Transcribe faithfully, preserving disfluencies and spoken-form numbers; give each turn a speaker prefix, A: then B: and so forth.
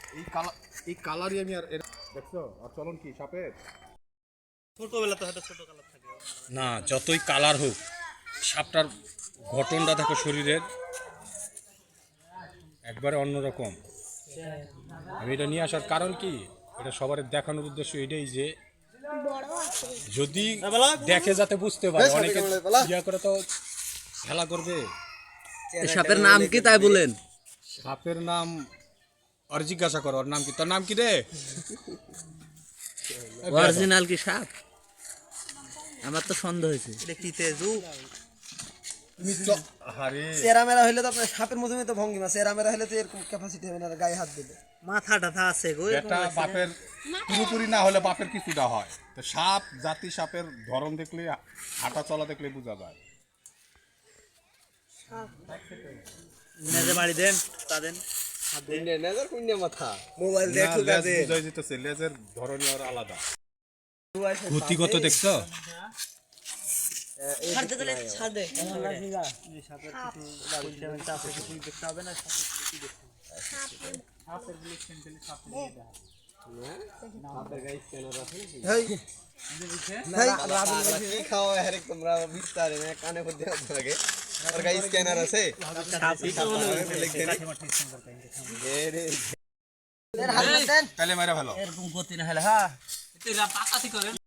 A: এই কালার এই কালারই আমি আর দেখছো আর চলন কি সাপের
B: ছোটবেলা তো হয়তো ছোট কালার থাকে
A: না, যতই কালার হোক সাপটার গঠনটা দেখো শরীরের একবারে অন্যরকম। আমি এটা নিয়ে আসার কারণ কি, এটা সবার দেখানোর উদ্দেশ্য এটাই যে যদি দেখে যাতে বুঝতে পারে, অনেকে ইয়া করে তো খেলা করবে।
C: সাপের নাম কি তাই বলেন?
A: সাপের নাম আর জিজ্ঞাসা করো, ওর নাম কি, তোর নাম কি রে?
C: অরিজিনাল কি সাপ? আমার তো সন্দেহ হয়েছে।
B: এটা কি তেজু?
A: তুমি আরে
D: চেরা মেরা হইলে তো আপনার সাপের মধ্যে তো ভঙ্গিমা, চেরা মেরা হলে তো এরকম ক্যাপাসিটি হবে না, গায়ে হাত দিলে
B: মাথা টাথা আছে গো, এরকম
A: এটা
B: লাগছে।
A: বাপের পুরোপুরি না হলে বাপের কিছুটা হয়। তো সাপ জাতি সাপের ধরন দেখলে, হাঁটা চলা দেখলে বোঝা যায়।
B: নেজে বাড়ি দেন তাদের
D: মোবাইল
A: না, লেজ বুঝাই যেতেছে, লেজের ধরনই আর আলাদা। গতিগত দেখছো?
D: ছাড়তে দিলে ছাড় দে।
B: সাপের কিছু বলতে আছে, কিছু দেখতে হবে না। সাপের গুলো সেন্টালি সাপের দিয়ে দেয়।
D: হেই হেই রাবুল কি খাও আরে তোমরা বিস্তারে না কানে পড়তে লাগে আর গাইস স্ক্যানার আছে
B: সাপই তো হলো
D: লিখে নে রে
A: তাহলে মেরে ভালো
B: এরকম গতি না হলে হ্যাঁ এটা পাকাতি করেন।